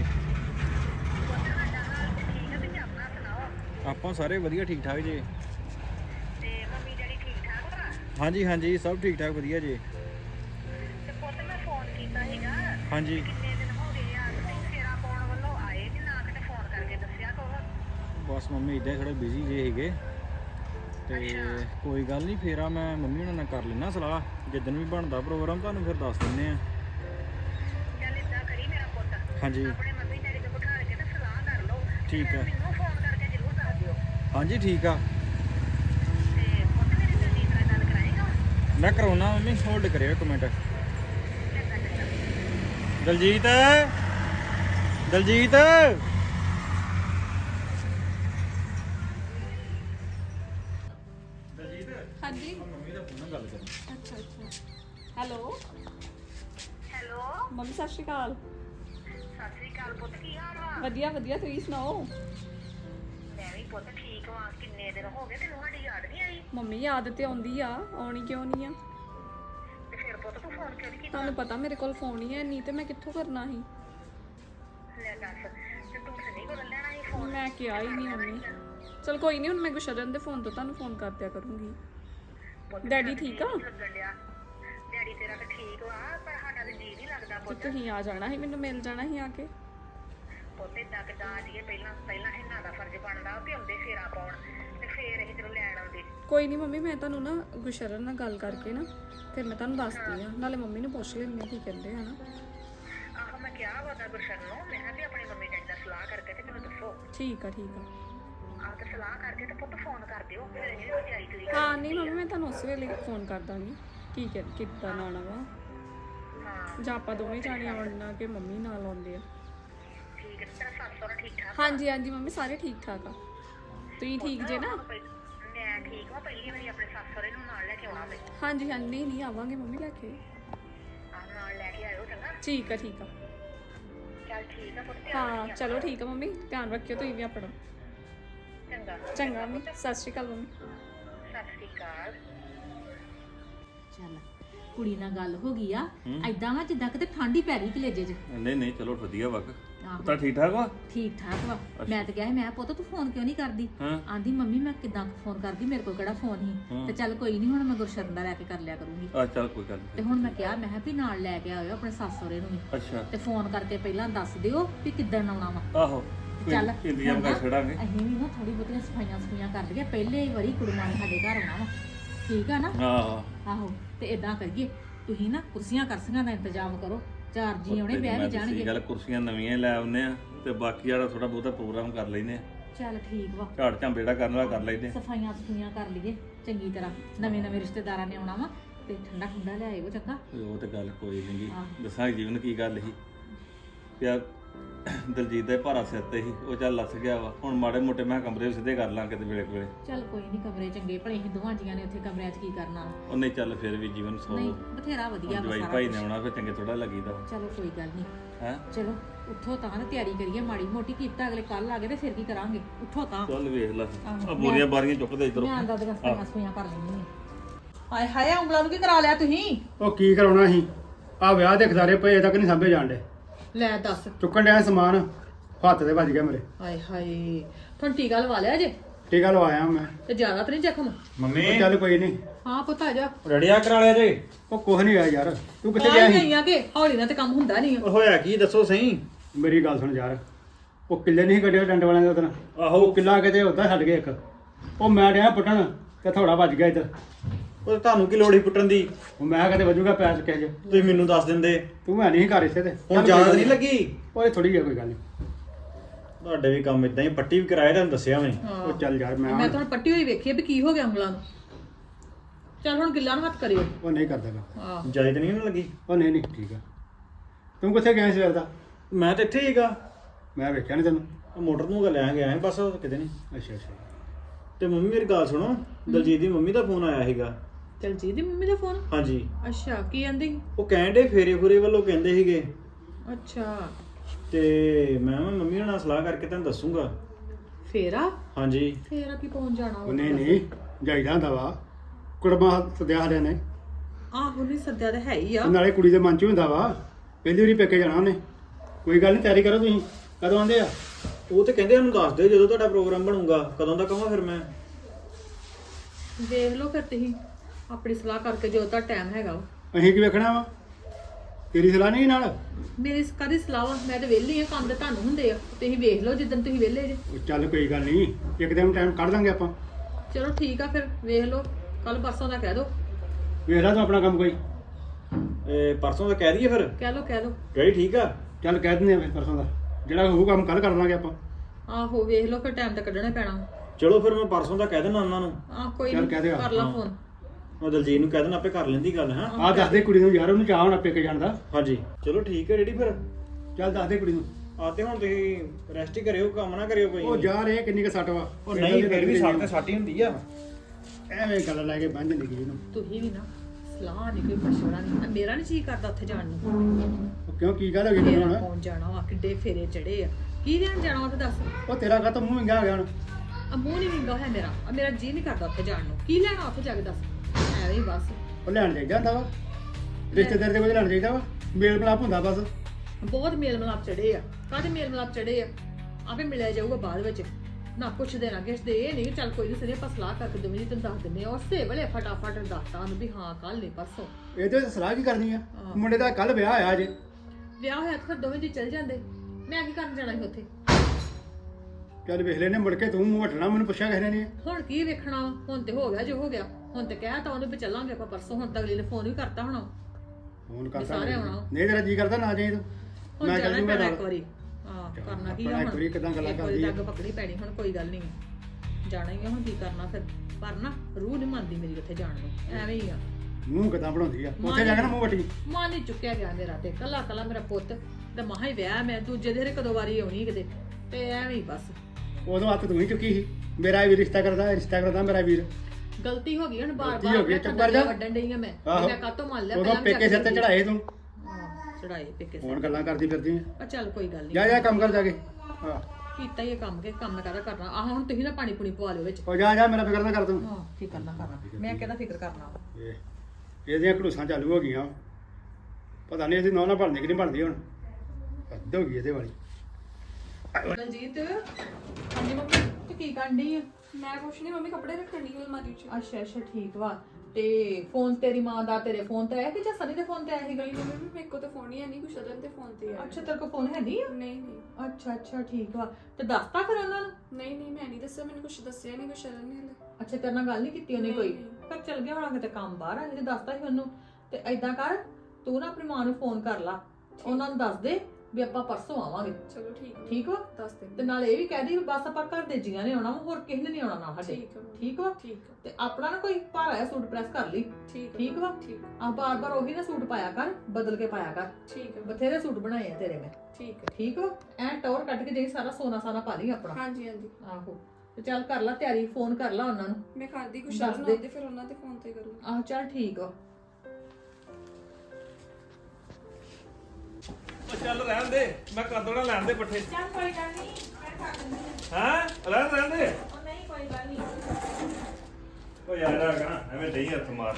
S3: ਆਪਾਂ ਸਾਰੇ ਵਧੀਆ ਠੀਕ ਠਾਕ ਜੀ
S7: ਤੇ ਮੰਮੀ ਡੈਡੀ ਠੀਕ ਠਾਕ ਵਾ
S3: ਹਾਂਜੀ ਹਾਂਜੀ ਸਭ ਠੀਕ ਠਾਕ ਵਧੀਆ ਜੀ
S7: ਤੇ ਪੁੱਤ ਮੈਂ ਫੋਨ ਕੀਤਾ ਸੀਗਾ
S3: ਹਾਂਜੀ
S7: ਕਿੰਨੇ ਦਿਨ ਹੋ ਗਏ ਆ ਤੁਸੀਂ ਫੇਰਾ ਪਾਉਣ ਵੱਲੋਂ ਆਏ ਨੀ ਨਾ ਕਿਤੇ ਫੋਨ ਕਰਕੇ ਦੱਸਿਆ ਕੋ
S3: ਬਸ ਮੰਮੀ ਇਦਾਂ ਥੋੜੇ ਬਿਜ਼ੀ ਜੇ ਸੀਗੇ ਤੇ ਕੋਈ ਗੱਲ ਨਹੀਂ ਫੇਰਾ ਮੈਂ ਮੰਮੀ ਉਹਨਾਂ ਨਾਲ ਕਰ ਲੈਣਾ ਸਲਾਹ ਜਿੱਦਣ ਵੀ ਬਣਦਾ ਪ੍ਰੋਗਰਾਮ ਤੁਹਾਨੂੰ ਫਿਰ ਦੱਸ ਦਿੰਨੇ ਆ
S7: ਚੱਲ ਇਦਾਂ ਕਰੀ ਮੇਰਾ ਪੁੱਤ
S3: ਹਾਂਜੀ
S7: ਆਪਣੇ ਮੰਮੀ ਡੈਡੀ ਨੂੰ ਬਿਠਾ ਕੇ ਤੇ ਸਲਾਹ ਕਰ ਲਓ
S3: ਠੀਕ ਆ
S7: ਮੈਨੂੰ ਫੋਨ ਕਰਕੇ ਜ਼ਰੂਰ ਦੱਸ ਦਿਓ
S3: ਹਾਂਜੀ ਠੀਕ ਆ
S7: ਤੇ ਪੁੱਤ ਮੇਰੀ ਦਲਜੀਤ ਨਾਲ ਗੱਲ ਕਰਾਏਗਾ
S3: ਮੈਂ ਕਰਾਉਣਾ ਮੰਮੀ ਹੋਲਡ ਕਰਿਓ ਇੱਕ ਮਿੰਟ ਦਲਜੀਤ ਦਲਜੀਤ
S1: ਹਾਂਜੀ
S3: ਮੰਮੀ ਦਾ ਫੋਨ ਨਾਲ ਗੱਲ ਕਰੀ
S1: ਅੱਛਾ ਅੱਛਾ ਹੈਲੋ
S7: ਹੈਲੋ
S1: ਮੰਮੀ ਸਤਿ ਸ਼੍ਰੀ ਅਕਾਲ
S7: ਸਤਿ ਸਤਿ ਸ੍ਰੀ ਅਕਾਲ ਪੁੱਤ, ਕੀ ਹਾਲ ਵਾ?
S1: ਵਧੀਆ ਵਧੀਆ ਤੁਸੀਂ ਸੁਣਾਓ।
S7: ਮੈਂ ਵੀ ਪੁੱਤ ਠੀਕ ਵਾਂ। ਕਿੰਨੇ ਦਿਨ ਹੋ ਗਏ ਤੈਨੂੰ ਸਾਡੀ ਯਾਦ ਨਹੀਂ ਆਈ?
S1: ਮੰਮੀ ਯਾਦ ਤੇ ਆਉਂਦੀ ਆ, ਆਉਣੀ ਕਿਉਂ ਨਹੀਂ ਆ।
S7: ਤੇ ਫਿਰ ਪੁੱਤ ਤੂੰ ਫੋਨ ਕਿਉਂ ਨਹੀਂ ਕੀਤਾ?
S1: ਤੁਹਾਨੂੰ ਪਤਾ ਮੇਰੇ ਕੋਲ ਫੋਨ ਹੀ ਹੈ ਨਹੀਂ ਤੇ ਮੈਂ ਕਿੱਥੋਂ ਕਰਨਾ ਸੀ।
S7: ਲੈ ਦੱਸ, ਤੇ ਤੂੰ ਸਨੀ ਕੋਲ ਲੈਣਾ ਸੀ ਫੋਨ?
S1: ਮੈਂ ਕਿਹਾ ਹੀ ਨਹੀਂ ਮੰਮੀ। ਚਲ ਕੋਈ ਨਹੀਂ, ਹੁਣ ਮੈਂ ਗੁਸ਼ਰਨ ਦੇ ਫੋਨ ਤੋਂ ਤੁਹਾਨੂੰ ਫੋਨ ਕਰ ਦਿਆ ਕਰੂੰਗੀ।
S7: ਪੁੱਤ
S1: ਡੈਡੀ ਠੀਕ ਆ?
S7: ਲੱਗਣ ਡਿਆ। ਡੈਡੀ ਤੇਰਾ ਤਾਂ ਠੀਕ ਵਾ, ਪਰ ਸਾਡਾ ਤਾਂ ਜੀ ਨਹੀਂ ਲੱਗਦਾ
S1: ਤੇ
S7: ਪੁੱਤ।
S1: ਤੁਸੀਂ ਆ ਜਾਣਾ ਸੀ, ਮੈਨੂੰ ਮਿਲ ਜਾਣਾ ਸੀ ਆ ਕੇ।
S7: ਪੁੱਤ ਏਦਾਂ ਕਿੱਦਾਂ ਆ ਜਾਈਏ? ਪਹਿਲਾਂ ਇਹਨਾਂ ਦਾ ਫਰਜ਼ ਬਣਦਾ ਵੀ ਆਉਂਦੇ ਫੇਰਾ ਪਾਉਣ, ਤੇ ਫੇਰ ਅਸੀਂ ਤੈਨੂੰ ਲੈਣ ਆਉਂਦੇ।
S1: ਕੋਈ ਨਹੀਂ ਮੰਮੀ, ਮੈਂ ਤੁਹਾਨੂੰ ਨਾ ਗੁਸ਼ਰਨ ਨਾਲ ਗੱਲ ਕਰਕੇ ਨਾ ਫਿਰ ਮੈਂ ਤੁਹਾਨੂੰ ਦੱਸਦੀ ਆ। ਨਾਲੇ ਮੰਮੀ ਨੂੰ ਪੁੱਛ ਲੈਂਦੀ ਆ ਕੀ ਕਹਿੰਦੇ ਆ ਨਾ।
S7: ਆਹੋ ਮੈਂ ਕਿਹਾ ਵਾ ਤਾਂ ਗੁਰਸ਼ਨ ਨੂੰ, ਮੈਂ ਕਿਹਾ ਵੀ ਆਪਣੀ ਮੰਮੀ ਡੈਡੀ ਨਾਲ ਸਲਾਹ ਕਰਕੇ ਤੇ ਮੈਨੂੰ ਦੱਸੋ।
S1: ਠੀਕ ਆ ਠੀਕ ਆ।
S7: ਆਹ ਤੇ ਸਲਾਹ ਕਰਕੇ ਤੇ ਪੁੱਤ ਫੋਨ ਕਰ ਦਿਓ, ਫਿਰ ਅਸੀਂ ਵੀ ਤਿਆਰੀ ਕਰੀ।
S1: ਹਾਂ ਨਹੀਂ ਮੰਮੀ, ਮੈਂ ਤੁਹਾਨੂੰ ਉਸ ਵੇਲੇ ਫੋਨ ਕਰ ਦਾਂਗੀ ਕਿੱਦਾਂ ਆਉਣਾ ਵਾ।
S7: ਹਾਂ
S1: ਜਾਂ ਆਪਾਂ ਦੋਵੇਂ ਜਾਣੇ ਆਉਣਾ ਕਿ ਮੰਮੀ ਨਾਲ ਆਉਂਦੇ ਆ।
S7: ਠੀਕ ਹੈ। ਤੇਰਾ ਸੱਸ ਸਹੁਰਾ ਠੀਕ ਠਾਕ?
S1: ਹਾਂਜੀ ਹਾਂਜੀ ਮੰਮੀ, ਸਾਰੇ ਠੀਕ ਠਾਕ ਆ। ਤੁਸੀਂ ਠੀਕ ਜੇ ਨਾ?
S7: ਮੈਂ ਠੀਕ ਹਾਂ। ਪਹਿਲੀ ਵਾਰੀ ਆਪਣੇ ਸੱਸ ਸਹੁਰੇ ਨੂੰ ਨਾਲ ਲੈ ਕੇ ਆਉਣਾ ਮੈਂ।
S1: ਹਾਂਜੀ ਹਾਂਜੀ, ਨਹੀਂ ਆਵਾਂਗੇ ਮੰਮੀ ਲੈ ਕੇ।
S7: ਆਹ ਨਾਲ ਲੈ ਕੇ ਆਇਓ ਚੰਗਾ।
S1: ਠੀਕ ਆ ਠੀਕ ਆ।
S7: ਚੱਲ ਠੀਕ ਆ ਪੁੱਤ।
S1: ਹਾਂ ਚਲੋ ਠੀਕ ਆ ਮੰਮੀ, ਧਿਆਨ ਰੱਖਿਓ ਤੁਸੀਂ ਵੀ ਆਪਣਾ।
S7: ਚੰਗਾ
S1: ਚੰਗਾ ਮੰਮੀ, ਸਤਿ ਸ਼੍ਰੀ ਅਕਾਲ ਮੰਮੀ।
S7: ਸਤਿ ਸ਼੍ਰੀ ਅਕਾਲ।
S5: ਚੱਲ ਕੁੜੀ ਨਾਲ ਗੱਲ ਹੋ ਗਈ ਆ। ਐਦਾਂ ਵਾ ਜਿੱਦਾਂ ਕਿਤੇ ਠੰਡੀ ਪੈ ਰਹੀ ਕਲੇਜੇ 'ਚ।
S6: ਨਹੀਂ ਨਹੀਂ ਚਲੋ ਵਧੀਆ ਵਕ
S5: ਆਹੋ।
S6: ਤਾਂ ਠੀਕ ਠਾਕ ਵਾ।
S5: ਠੀਕ ਠਾਕ ਵਾ। ਮੈਂ ਤਾਂ ਕਿਹਾ ਸੀ, ਮੈਂ ਪੁੱਤ ਤੂੰ ਫੋਨ ਕਿਉਂ ਨਹੀਂ ਕਰਦੀ?
S6: ਹਾਂ।
S5: ਆਂਦੀ ਮੰਮੀ ਮੈਂ ਕਿੱਦਾਂ ਫੋਨ ਕਰਦੀ, ਮੇਰੇ ਕੋਲ ਕਿਹੜਾ ਫੋਨ ਸੀ। ਤੇ ਚੱਲ ਕੋਈ ਨਹੀਂ, ਹੁਣ ਮੈਂ ਗੁਰਸ਼ਰਨ ਦਾ ਲੈ ਕੇ ਕਰ ਲਿਆ ਕਰੂੰਗੀ।
S6: ਆ ਚੱਲ ਕੋਈ ਗੱਲ
S5: ਤੇ
S6: ਨਹੀਂ।
S5: ਹੁਣ ਮੈਂ ਕਿਹਾ, ਮੈਂ ਕਿਹਾ ਵੀ ਨਾਲ ਲੈ ਕੇ ਆਇਓ ਆਪਣੇ ਸੱਸ ਸਹੁਰੇ ਨੂੰ ਵੀ,
S6: ਅੱਛਾ
S5: ਤੇ ਫੋਨ ਕਰਕੇ ਪਹਿਲਾਂ ਦੱਸ ਦਿਓ ਵੀ ਕਿੱਦਣ ਆਉਣਾ ਵਾ।
S6: ਆਹੋ
S5: ਚੱਲ
S6: ਇੰਤਜ਼ਾਮ ਕਰ ਛੜਾਂਗੇ।
S5: ਅਸੀਂ ਵੀ ਨਾ ਥੋੜੀ ਬਹੁਤੀਆਂ ਸਫਾਈਆਂ ਕਰ ਲਈਏ। ਪਹਿਲੇ ਹੀ ਵਾਰੀ ਕੁੜਮਾਂ ਨੇ ਸਾਡੇ ਘਰ ਆਉਣਾ ਵਾ, ਠੀਕ ਆ ਨਾ?
S6: ਹਾਂ
S5: ਆਹੋ, ਤੇ ਇਦਾਂ ਕਰੀਏ, ਤੁਸੀਂ ਨਾ ਕੁਰਸੀਆਂ ਕਰਸੀਆਂ ਦਾ ਇੰਤਜ਼ਾਮ ਕਰੋ। 4 ਜੀ ਆਉਣੇ, ਬਹਿ ਵੀ ਜਾਣਗੇ।
S6: ਗੱਲ ਕੁਰਸੀਆਂ ਨਵੀਆਂ ਹੀ ਲੈ ਆਉਨੇ ਆ, ਤੇ ਬਾਕੀ ਜਿਹੜਾ ਥੋੜਾ ਬਹੁਤਾ ਪ੍ਰੋਗਰਾਮ ਕਰ ਲੈਨੇ ਆ।
S5: ਚੱਲ ਠੀਕ ਵਾ।
S6: ਝਾੜ ਝਾਂਬੇ ਕਰਨ ਵਾਲਾ ਕਰ ਲੈਨੇ।
S5: ਸਫਾਈਆਂ ਕਰ ਲਈਏ ਚੰਗੀ ਤਰ੍ਹਾਂ। ਨਵੇਂ ਰਿਸ਼ਤੇਦਾਰਾਂ ਨੇ ਆਉਣਾ ਵਾ, ਤੇ ਠੰਡਾ ਠੰਡਾ ਲਿਆਇਓ ਚੰਗਾ।
S6: ਉਹ ਤੇ ਗੱਲ ਕੋਈ ਨਹੀਂ
S5: ਆਹੋ।
S6: ਦੱਸਾਂ ਜੀਵਨ ਕੀ ਗੱਲ ਸੀ ਯਾਰ, ਦਲਜੀਤ ਦਾ ਭਾਰਾ ਸਿਰ ਤੇ ਸੀ, ਉਹ ਚੱਲ ਲੱਥ ਗਿਆ ਵਾ। ਹੁਣ ਮਾੜੇ ਮੋਟੇ ਮੈਂ ਕਮਰੇ ਸਿੱਧੇ ਕਰ ਲਾਂ ਕਿਤੇ ਵੇਲੇ ਕੋਲੇ।
S5: ਚੱਲ ਕੋਈ ਨਹੀਂ, ਕਮਰੇ ਚੰਗੇ ਭਲੇ ਹੀ ਦੋਵਾਂ ਜੀਆਂ ਨੇ ਉੱਥੇ ਕਮਰਿਆਂ 'ਚ ਕੀ ਕਰਨਾ।
S6: ਉਹ ਨਹੀਂ ਚੱਲ ਫਿਰ ਵੀ ਜੀਵਨ ਸੌ
S5: ਨਹੀਂ ਬਥੇਰਾ ਵਧੀਆ ਵਾ
S6: ਜਵਾਈ
S5: ਸਾਰਾ
S6: ਭਾਈ
S5: ਕੁਛ।
S6: ਨੇ ਆਉਣਾ, ਫਿਰ ਚੰਗੇ ਥੋੜਾ ਲੱਗੀਦਾ
S5: ਚਲੋ ਕੋਈ ਗੱਲ ਨਹੀਂ।
S6: ਹੈ।
S5: ਚਲੋ ਉੱਠੋ ਤਾਂ ਤੇ ਤਿਆਰੀ ਕਰੀਏ ਮਾੜੀ ਮੋਟੀ। ਕੀਤਾ ਅਗਲੇ ਕੱਲ ਆ ਗਏ ਤੇ ਫਿਰ ਕੀ ਕਰਾਂਗੇ। ਉੱਠੋ ਤਾਂ।
S6: ਚੱਲ ਵੇਖ ਲੈ
S5: ਆਹੋ।
S6: ਆ ਬੋਰੀਆਂ ਬਾਰੀਆਂ ਚੁੱਕਦੇ ਇਧਰੋਂ।
S5: ਮੈਂ ਆਂਦਾ ਤੇ ਸਫਾਈਆਂ ਕਰ ਲੈਣੀ ਆ।
S2: ਹਾਏ ਹਾਏ, ਉਂਗਲਾਂ ਨੂੰ ਕੀ ਕਰਾ ਲਿਆ ਤੁਸੀਂ?
S8: ਉਹ ਕੀ ਕਰਾਉਣਾ ਸੀ? ਆ ਵਿਆਹ ਦੇ ਖਜ਼ਾਰੇ ਪਏ, ਅਜੇ ਤੱਕ ਨਹੀਂ ਸਾਂਭੇ ਜਾਣ ਡੇ।
S2: ਲੈ ਦੱਸ।
S8: ਚੁੱਕਣ ਡਿਆ ਸਮਾਨ, ਹੱਥ ਤੇ ਵੱਜ ਗਿਆ ਮੇਰੇ।
S2: ਹਾਏ ਹਾਏ, ਤੁਹਾਨੂੰ ਟੀਕਾ ਲਵਾ ਲਿਆ ਜੇ?
S8: ਟੀਕਾ ਲਵਾਇਆ ਮੈਂ।
S2: ਤੇ ਜ਼ਿਆਦਾ ਤਾਂ ਨਹੀਂ ਜ਼ਖਮ?
S4: ਮੰਮੀ
S8: ਉਹ ਚੱਲ ਕੋਈ ਨਹੀਂ।
S2: ਹਾਂ ਪੁੱਤ ਆ ਜਾ।
S4: ਰੜਿਆ ਕਰਾ ਲਿਆ ਜੇ।
S8: ਉਹ ਕੁਛ ਨਹੀਂ ਹੋਇਆ ਯਾਰ, ਤੂੰ ਕਿੱਥੇ
S2: ਆ
S8: ਗਿਆ ਸੀ?
S2: ਗਈਆਂ ਕਿ ਹੌਲੀ ਨਾਲ ਤੇ ਕੰਮ ਹੁੰਦਾ ਨਹੀਂ।
S4: ਉਹ ਹੋਇਆ ਕੀ ਦੱਸੋ ਸਹੀ।
S8: ਮੇਰੀ ਗੱਲ ਸੁਣ ਯਾਰ, ਉਹ ਕਿੱਲੇ ਨਹੀਂ ਕੱਢਿਆ ਡੰਡ ਵਾਲਿਆਂ ਦੇ ਉਦੋਂ।
S4: ਆਹੋ
S8: ਉਹ ਕਿੱਲਾ ਕਿਤੇ ਉੱਦਾਂ ਛੱਡ ਗਏ ਇੱਕ। ਉਹ ਮੈਂ ਡਿਆ ਪੁੱਟਣ ਤੇ ਥੋੜਾ ਵੱਜ ਗਿਆ ਇੱਧਰ।
S4: ਉਹ ਤੁਹਾਨੂੰ ਕੀ ਲੋੜ ਸੀ ਪੁੱਟਣ ਦੀ?
S8: ਉਹ ਮੈਂ ਕਦੇ ਵੱਜੂਗਾ ਪੈਰ ਕਿਸੇ 'ਚ।
S4: ਤੁਸੀਂ ਮੈਨੂੰ ਦੱਸ ਦਿੰਦੇ।
S8: ਤੂੰ ਹੈ ਨਹੀਂ ਘਰ ਇੱਥੇ ਤੇ।
S4: ਹੁਣ ਜ਼ਿਆਦਾ ਨਹੀਂ ਲੱਗੀ?
S8: ਓਏ ਥੋੜੀ ਜਿਹੀ ਕੋਈ ਗੱਲ ਨਹੀਂ।
S4: ਤੁਹਾਡੇ ਵੀ ਕੰਮ ਇਦਾਂ ਹੀ, ਪੱਟੀ ਵੀ ਕਰਾਇਆ, ਤੁਹਾਨੂੰ ਦੱਸਿਆ ਮੈਂ।
S8: ਉਹ ਚੱਲ ਯਾਰ
S2: ਮੈਂ ਤਾਂ ਹੁਣ ਪੱਟੀ ਹੋਈ ਵੇਖੀ ਵੀ ਕੀ ਹੋ ਗਿਆ ਉਂਗਲਾਂ ਨੂੰ। ਚੱਲ ਹੁਣ ਗਿੱਲਾ ਨੂੰ ਹੱਥ ਕਰਿਓ।
S8: ਉਹ ਨਹੀਂ ਕਰਦਾ ਗਾ।
S2: ਆਹ
S4: ਜਾਇਦ ਨਹੀਂ ਨਾ ਲੱਗੀ?
S8: ਉਹ ਨਹੀਂ ਨਹੀਂ ਠੀਕ ਆ। ਤੂੰ ਕਿੱਥੇ ਗਿਆ ਸਵੇਰ ਦਾ?
S4: ਮੈਂ ਤਾਂ ਇੱਥੇ ਹੀਗਾ।
S8: ਮੈਂ ਵੇਖਿਆ ਨਹੀਂ ਤੈਨੂੰ।
S4: ਮੋਟਰ ਨੂੰ ਲੈ ਗਿਆ ਸੀ ਬਸ, ਕਿਤੇ ਨਹੀਂ।
S8: ਅੱਛਾ ਅੱਛਾ।
S4: ਤੇ ਮੰਮੀ ਮੇਰੀ ਗੱਲ ਸੁਣੋ, ਦਲਜੀਤ ਦੀ ਮੰਮੀ ਦਾ ਫੋਨ ਆਇਆ ਸੀਗਾ।
S2: ਦਲਜੀਤ ਦੀ ਮੰਮੀ ਦਾ ਫੋਨ?
S4: ਹਾਂਜੀ।
S2: ਅੱਛਾ, ਕੀ ਕਹਿੰਦੀ?
S4: ਉਹ ਕਹਿੰਦੇ ਫੇਰੇ ਫੁਰੇ ਵੱਲੋਂ ਕਹਿੰਦੇ ਸੀਗੇ,
S2: ਅੱਛਾ
S4: ਤੇ ਮੈਂ ਕਿਹਾ ਮੰਮੀ ਨਾਲ ਸਲਾਹ ਕਰਕੇ ਤੈਨੂੰ ਦੱਸੂਗਾ।
S2: ਫੇਰਾ?
S4: ਹਾਂਜੀ।
S2: ਫੇਰਾ ਕੀ ਪਹੁੰਚ ਜਾਣਾ?
S8: ਉਹ ਨਹੀਂ ਨਹੀਂ, ਜਾਈਦਾ ਹੁੰਦਾ ਵਾ। ਕੁੜਮਾ ਸੱਦਿਆ ਸਾਰਿਆਂ ਨੇ।
S2: ਆਹੋ ਨਹੀਂ ਸੱਦਿਆ ਤਾਂ ਹੈ ਹੀ ਆ।
S8: ਤੇ ਨਾਲੇ ਕੁੜੀ ਦੇ ਮਨ 'ਚ ਹੁੰਦਾ ਵਾ, ਪਹਿਲੀ ਵਾਰੀ ਪੇਕੇ ਜਾਣਾ ਉਹਨੇ। ਕੋਈ ਗੱਲ ਨਹੀਂ, ਤਿਆਰੀ ਕਰੋ ਤੁਸੀਂ। ਕਦੋਂ ਆਉਂਦੇ ਆ?
S4: ਉਹ ਤੇ ਕਹਿੰਦੇ ਉਹਨੂੰ ਦੱਸ ਦਿਓ ਜਦੋਂ ਤੁਹਾਡਾ ਪ੍ਰੋਗਰਾਮ ਬਣੂਗਾ। ਕਦੋਂ ਦਾ ਕਹਾਂ ਫਿਰ ਮੈਂ?
S2: ਦੇਖ ਲਓ ਫਿਰ ਤੁਸੀਂ ਆਪਣੀ ਸਲਾਹ ਕਰਕੇ ਜੋ ਤਾਂ ਟਾਈਮ ਹੈਗਾ ਵਾ।
S8: ਅਸੀਂ ਕੀ ਵੇਖਣਾ ਵਾ? ਤੇਰੀ ਸਲਾਹ ਨਹੀਂ ਨਾਲ?
S2: ਮੇਰੀ ਕਾਹਦੀ ਸਲਾਹ ਵਾ? ਮੈਂ ਤਾਂ ਵਿਹਲੀ ਆ, ਕੰਮ ਤਾਂ ਤੁਹਾਨੂੰ ਹੁੰਦੇ ਆ। ਤੁਸੀਂ ਵੇਖ ਲਓ ਜਿੱਦਣ ਤੁਸੀਂ ਵਿਹਲੇ ਜੇ।
S8: ਉਹ ਚੱਲ ਕੋਈ ਗੱਲ ਨਹੀਂ, ਇੱਕ ਦਿਨ ਟਾਈਮ ਕੱਢ ਦਾਂਗੇ ਆਪਾਂ।
S2: ਚਲੋ ਠੀਕ ਆ, ਫਿਰ ਵੇਖ ਲਓ। ਕੱਲ ਪਰਸੋਂ ਦਾ ਕਹਿ ਦਿਓ।
S8: ਵੇਖ ਲੈ ਤੂੰ ਆਪਣਾ ਕੰਮ ਕੋਈ।
S4: ਇਹ ਪਰਸੋਂ ਦਾ ਕਹਿ ਦਈਏ ਫਿਰ?
S2: ਕਹਿ ਦਿਓ।
S4: ਡੈਡੀ ਠੀਕ ਆ?
S8: ਚੱਲ ਕਹਿ ਦਿੰਦੇ ਆ ਫਿਰ ਪਰਸੋਂ ਦਾ। ਜਿਹੜਾ ਹੋਊ ਕੰਮ ਕੱਲ ਕਰ ਲਾਂਗੇ ਆਪਾਂ।
S2: ਆਹੋ ਵੇਖ ਲਓ, ਫਿਰ ਟਾਈਮ ਤਾਂ ਕੱਢਣਾ ਪੈਣਾ।
S4: ਚਲੋ ਫਿਰ ਮੈਂ ਪਰਸੋਂ ਦਾ ਕਹਿ ਦੇਣਾ ਉਹਨਾਂ ਨੂੰ।
S2: ਆਹ ਕੋਈ
S8: ਚੱਲ
S2: ਨਹੀਂ,
S8: ਕਹਿ ਦਿਓ।
S2: ਕਰ ਲਾ ਫੋਨ।
S4: ਉਹ ਦਲਜੀਤ ਨੂੰ ਕਹਿ ਦੇਣਾ, ਆਪੇ ਕਰ ਲੈਂਦੀ ਗੱਲ। ਹੈ
S8: ਆਹ ਦੱਸ ਦੇ ਕੁੜੀ ਨੂੰ ਯਾਰ, ਉਹਨੂੰ ਚਾਹ ਹੋਣਾ ਪੇਕੇ ਜਾਣ ਦਾ।
S4: ਹਾਂਜੀ ਚਲੋ ਠੀਕ ਹੈ ਡੈਡੀ ਫਿਰ।
S8: ਚੱਲ ਦੱਸ ਦੇ ਕੁੜੀ ਨੂੰ।
S4: ਆ ਤੇ ਹੁਣ ਤੁਸੀਂ ਰੈਸਟ ਹੀ ਕਰਿਓ, ਕੰਮ ਨਾ ਕਰਿਓ ਕੋਈ।
S8: ਉਹ ਜਾ ਰਹੇ ਕਿੰਨੀ ਕੁ ਸੱਟ ਵਾ?
S4: ਉਹ ਨਹੀਂ, ਫਿਰ ਵੀ ਸੱਟ ਤੇ ਸੱਟ ਹੀ ਹੁੰਦੀ ਆ।
S8: ਐਵੇਂ ਗੱਲ ਲੈ ਕੇ ਬੰਝ ਨਹੀਂ ਗਈ ਇਹਨੂੰ।
S2: ਤੁਸੀਂ ਵੀ ਨਾ
S5: ਸਲਾਹ ਨਹੀਂ ਕੋਈ ਮਸ਼ਵਰਾ ਨਹੀਂ ਮੇਰਾ ਨਹੀਂ ਜੀ ਕਰਦਾ ਉੱਥੇ ਜਾਣ ਨੂੰ
S8: ਉਹ ਕਿਉਂ ਕੀ ਗੱਲ ਹੋ ਗਈ ਤੈਨੂੰ
S5: ਫੇਰਾ
S8: ਹੁਣ
S5: ਪਾਉਣ ਜਾਣਾ ਵਾ ਕਿੱਡੇ ਫੇਰੇ ਚੜੇ ਆ ਕੀ ਲੈਣ ਜਾਣਾ ਵਾ ਤੇ ਦੱਸ
S8: ਉਹ ਤੇਰਾ ਕਾ ਤਾਂ ਮੂੰਹ ਵਿੰਗਾ ਹੋ ਗਿਆ ਹੁਣ
S5: ਆ ਮੂੰਹ ਨਹੀਂ ਵਿੰਗਾ ਹੋਇਆ ਮੇਰਾ ਜੀ ਨਹੀਂ ਕਰਦਾ ਉੱਥੇ ਜਾਣ ਨੂੰ ਕੀ ਲੈਣਾ ਉੱਥੇ ਜਾ ਕੇ ਦੱਸ ਐਵੇਂ ਹੀ ਬਸ
S8: ਉਹ ਲੈਣ ਜਾਈਦਾ ਹੁੰਦਾ ਵਾ ਰਿਸ਼ਤੇਦਾਰ ਦੇ ਕੋਲ ਲੈਣ ਜਾਈਦਾ ਵਾ ਮੇਲ ਮਿਲਾਪ ਹੁੰਦਾ ਬਸ
S5: ਬਹੁਤ ਮੇਲ ਮਿਲਾਪ ਚੜੇ ਆ ਕਾਹਦੇ ਮੇਲ ਮਿਲਾਪ ਚੜੇ ਆ ਆਪੇ ਮਿਲਿਆ ਜਾਊਗਾ ਬਾਅਦ ਵਿੱਚ ਨਾ ਪੁੱਛਦੇ ਨਾ ਕਿਸ ਦੇ ਇਹ ਨਹੀਂ ਚੱਲ ਕੋਈ ਨਹੀਂ ਸਰੇ ਆਪਾਂ ਸਲਾਹ ਕਰਕੇ ਦੋਵੇਂ ਜੀ ਤੈਨੂੰ ਦੱਸ ਦਿੰਦੇ ਆ ਉਸੇ ਵੇਲੇ ਫਟਾਫਟ ਦੱਸਤਾ ਉਹਨੂੰ ਵੀ ਹਾਂ ਕੱਲ ਨਹੀਂ ਪਰਸੋਂ
S8: ਇਹਦੇ ਵਿੱਚ ਸਲਾਹ ਕੀ ਕਰਨੀ ਆ
S5: ਹਾਂ।
S8: ਮੁੰਡੇ ਦਾ ਕੱਲ ਵਿਆਹ ਆਇਆ ਅਜੇ
S5: ਵਿਆਹ ਹੋਇਆ ਤਾਂ ਫਿਰ ਦੋਵੇਂ ਜੀ ਚੱਲ ਜਾਂਦੇ ਮੈਂ ਕੀ ਕਰਨ ਜਾਣਾ ਸੀ ਉੱਥੇ
S8: ਚੱਲ ਵੇਖ ਲੈਨੇ ਮੁੜ ਕੇ ਤੂੰ ਮੂੰਹ ਹਟਣਾ ਮੈਨੂੰ ਪੁੱਛਿਆ ਕਿਸੇ ਨੇ ਨਹੀਂ
S5: ਹੁਣ ਕੀ ਵੇਖਣਾ ਵਾ? ਹੁਣ ਤੇ ਹੋ ਗਿਆ ਜੋ ਹੋ ਗਿਆ ਹੁਣ ਤੇ ਕਹਿ ਤਾ ਉਹਨੂੰ ਵੀ ਚੱਲਾਂਗੇ ਆਪਾਂ ਪਰਸੋਂ ਹੁਣ ਤਾਂ ਅਗਲੇ ਨੇ ਫੋਨ ਵੀ ਕਰਤਾ ਹੋਣਾ
S8: ਫੋਨ ਕਰਦਾ
S5: ਸਾਰੇ ਆਉਣਾ।
S8: ਨਹੀਂ ਤੇਰਾ ਜੀ ਕਰਦਾ ਨਾ ਜਾਈ ਤੂੰ
S5: ਹੁਣ
S8: ਮੈਂ ਚੱਲ
S5: ਜਾਣਾ
S8: ਜੂਗਾ
S5: ਪੈਣਾ
S8: ਨਾਲ
S5: ਇੱਕ ਵਾਰੀ ਹਾਂ ਕਰਨਾ ਕੀ ਆ
S8: ਆਪਣਾ
S5: ਹੁਣ
S8: ਇੱਕ ਵਾਰੀ ਕਿੱਦਾਂ ਗੱਲਾਂ
S5: ਇੱਕ ਵਾਰੀ
S8: ਕਰਦੀ ਆ।
S5: ਅੱਗ ਪਕੜੀ ਪੈਣੀ ਹੁਣ ਕੋਈ ਗੱਲ ਨਹੀਂ ਜਾਣਾ ਹੀ ਆ ਹੁਣ ਕੀ ਕਰਨਾ ਫਿਰ ਪਰ ਨਾ ਰੂਹ ਨਹੀਂ ਮੰਨਦੀ ਮੇਰੀ ਉੱਥੇ ਜਾਣ ਨੂੰ ਐਵੇਂ ਹੀ ਆ
S8: ਮੂੰਹ ਕਿੱਦਾਂ ਬਣਾਉਂਦੀ ਆ ਉੱਥੇ ਜਾ ਕੇ ਨਾ ਮੂੰਹ ਵਟੀ
S5: ਮਾਂ ਨਹੀਂ ਚੁੱਕਿਆ ਗਿਆ ਮੇਰਾ ਤੇ ਕੱਲਾ ਕੱਲਾ ਮੇਰਾ ਪੁੱਤ ਤੇ ਮਹਾ ਹੀ ਵਿਆਹ ਮੈਂ ਦੂਜੇ ਦੇ ਕਦੋਂ ਵਾਰੀ ਆਉਣੀ ਕਿਤੇ ਤੇ ਐਵੇਂ ਹੀ ਬਸ
S8: ਉਦੋਂ ਹੱਥ ਤੂੰ ਹੀ ਚੁੱਕੀ ਸੀ ਮੇਰਾ ਵੀ ਰਿਸ਼ਤਾ ਕਰਦਾ ਮੇਰਾ ਵੀਰ
S5: ਗਲਤੀ ਹੋ ਗਈ ਹੁਣ
S8: ਗਲਤੀ ਹੋ
S5: ਬਾਰ-ਬਾਰ
S8: ਗਈ,
S5: ਮੈਂ
S8: ਚੁੱਪ ਕਰ ਜਾ।
S5: ਵੱਡਣ ਡਈ ਆ ਮੈਂ
S8: ਆਹੋ।
S5: ਮੈਂ ਕਾਤੋਂ ਮੰਨ ਲਿਆ
S8: ਉਦੋਂ ਪੇਕੇ ਸਿਰ ਤੇ ਚੜਾਏ ਤੂੰ
S5: ਚੜਾਏ ਪੇਕੇ
S8: ਹੁਣ ਗੱਲਾਂ ਕਰਦੀ ਫਿਰਦੀ ਆ
S5: ਆ ਚੱਲ ਕੋਈ ਗੱਲ
S8: ਜਾ
S5: ਨਹੀਂ
S8: ਜਾ ਕੰਮ ਕਰ ਜਾ ਕੇ ਹਾਂ
S5: ਕੀਤਾ ਹੀ ਇਹ ਕੰਮ ਕੇ ਕੰਮ ਕਾਹਦਾ ਕਰਨਾ ਆਹ ਹੁਣ ਤੁਸੀਂ ਨਾ ਪਾਣੀ ਪੂਣੀ ਪਵਾ ਲਿਓ ਵਿੱਚ
S8: ਉਹ ਜਾ ਮੇਰਾ ਫਿਕਰ ਨਾ ਕਰ ਤੂੰ
S5: ਹਾਂ ਫਿਕਰ ਨਾ ਕਰਨਾ ਮੈਂ ਕਿਹਦਾ ਫਿਕਰ ਕਰਨਾ ਵਾ।
S8: ਇਹਦੀਆਂ ਘੜੂਸਾਂ ਚਾਲੂ ਹੋ ਗਈਆਂ ਪਤਾ ਨਹੀਂ ਇਹਦੀ ਨੌ ਨਾ ਬਣਦੀ ਕਿ ਨਹੀਂ ਬਣਦੀ ਹੁਣ ਹੱਦ ਹੋ ਗਈ ਇਹਦੇ ਵਾਲੀ
S5: ਦਲਜੀਤ ਹਾਂਜੀ ਮੰਮੀ ਤੂੰ ਕੀ ਕਰਨ ਡਈ ਆ
S1: ਮੈਂ ਕੁਛ ਨਹੀਂ ਮੰਮੀ ਕੱਪੜੇ ਰੱਖਣ ਦੀ ਅਲਮਾਰੀ 'ਚ
S5: ਅੱਛਾ ਅੱਛਾ ਠੀਕ ਵਾ ਤੇ ਫੋਨ ਤੇਰੀ ਮਾਂ ਦਾ ਤੇਰੇ ਫੋਨ ਤੇ ਆਇਆ ਕਿ ਜਾਂ ਸਨੀ ਦੇ ਫੋਨ ਤੇ ਆਇਆ ਸੀਗਾ
S1: ਨਹੀਂ ਮੰਮੀ ਮੇਰੇ ਕੋਲ ਤਾਂ ਫੋਨ ਹੀ ਹੈ ਨਹੀਂ ਕੁਛ ਅਦਨ ਤੇ ਫੋਨ ਤੇ ਹੈ
S5: ਅੱਛਾ ਤੇਰੇ ਕੋਲ ਫੋਨ ਹੈ ਨਹੀਂ ਆ?
S1: ਨਹੀਂ ਨਹੀਂ
S5: ਅੱਛਾ ਅੱਛਾ ਠੀਕ ਵਾ ਤੇ ਦੱਸਤਾ ਫਿਰ ਉਹਨਾਂ ਨੂੰ
S1: ਨਹੀਂ ਨਹੀਂ ਮੈਂ ਨਹੀਂ ਦੱਸਿਆ ਮੈਨੂੰ ਕੁਛ ਦੱਸਿਆ ਨਹੀਂ ਕੁਛ ਅਦਨ ਨੇ ਹਲੇ
S5: ਅੱਛਾ ਤੇਰੇ ਨਾਲ ਗੱਲ ਨਹੀਂ ਕੀਤੀ ਉਹਨੇ ਕੋਈ
S1: ਨਹੀਂ।
S5: ਪਰ ਚਲ ਗਿਆ ਹੋਣਾ ਕਿਤੇ ਕੰਮ ਬਾਹਰ ਆ ਜੇ ਦੱਸਤਾ ਸੀ ਉਹਨੂੰ ਤੇ ਐਦਾਂ ਕਰ ਤੂੰ ਨਾ ਆਪਣੀ ਮਾਂ ਨੂੰ ਫੋਨ ਕਰ ਲਾ ਉਹਨਾਂ ਨੂੰ ਦੱਸ ਦੇ ਵੀ ਆਪਾਂ ਪਰਸੋਂ ਆਵਾਂਗੇ
S1: ਚਲੋ ਠੀਕ ਹੈ
S5: ਠੀਕ ਵਾ
S1: ਦੱਸ ਦੇ
S5: ਤੇ ਨਾਲ ਇਹ ਵੀ ਕਹਿ ਦੀ ਵੀ ਬਸ ਆਪਾਂ ਘਰ ਦੇ ਜੀਆਂ ਨੇ ਆਉਣਾ ਵਾ, ਹੋਰ ਕਿਸੇ ਨੇ ਨਹੀਂ ਆਉਣਾ ਨਾ ਸਾਡੇ
S1: ਠੀਕ ਹੈ
S5: ਠੀਕ ਵਾ
S1: ਠੀਕ ਹੈ
S5: ਤੇ ਆਪਣਾ ਨਾ ਕੋਈ ਭਾਰਾ ਜਿਹਾ ਸੂਟ ਪ੍ਰੈਸ ਕਰ ਲਈ
S1: ਠੀਕ ਹੈ
S5: ਠੀਕ ਵਾ
S1: ਠੀਕ
S5: ਆ ਬਾਰ-ਬਾਰ ਉਹੀ ਨਾ ਸੂਟ ਪਾਇਆ ਕਰ ਬਦਲ ਕੇ ਪਾਇਆ ਕਰ
S1: ਠੀਕ ਹੈ
S5: ਬਥੇਰੇ ਸੂਟ ਬਣਾਏ ਆ ਤੇਰੇ ਮੈਂ
S1: ਠੀਕ ਹੈ
S5: ਠੀਕ ਵਾ ਐ ਟੌਰ ਕੱਢ ਕੇ ਜਿਹੜੀ ਸਾਰਾ ਸੋਨਾ ਸਾਨਾ ਪਾ ਲਈ ਆਪਣਾ
S1: ਹਾਂਜੀ ਹਾਂਜੀ
S5: ਆਹੋ ਤੇ ਚੱਲ ਕਰ ਲਾ ਤਿਆਰੀ ਫੋਨ ਕਰ ਲਾ ਉਹਨਾਂ ਨੂੰ
S1: ਮੈਂ ਕਰਦੀ ਕੁਛ
S5: ਦੱਸ
S1: ਅਦਨ
S5: ਦੇ।
S1: ਆਉਂਦੇ ਫਿਰ ਉਹਨਾਂ ਦੇ ਫੋਨ ਤੇ ਕਰੂੰ
S5: ਆਹ ਚੱਲ ਠੀਕ ਆ
S6: ਉਹ ਚੱਲ ਰਹਿਣ ਦੇ ਮੈਂ ਕਰ ਦੇਣਾ ਲੈਣ ਦੇ ਪੱਠੇ
S5: ਚੱਲ ਕੋਈ ਗੱਲ ਨਹੀਂ ਮੈਂ ਕਰ ਦਿੰਦੀ
S6: ਹਾਂ ਰਹਿਣ ਦੇ
S5: ਉਹ ਨਹੀਂ ਕੋਈ ਗੱਲ ਨਹੀਂ
S6: ਉਹ ਯਾਰ ਆਗਾ ਐਵੇਂ ਨਹੀਂ ਹੱਥ ਮਾਰ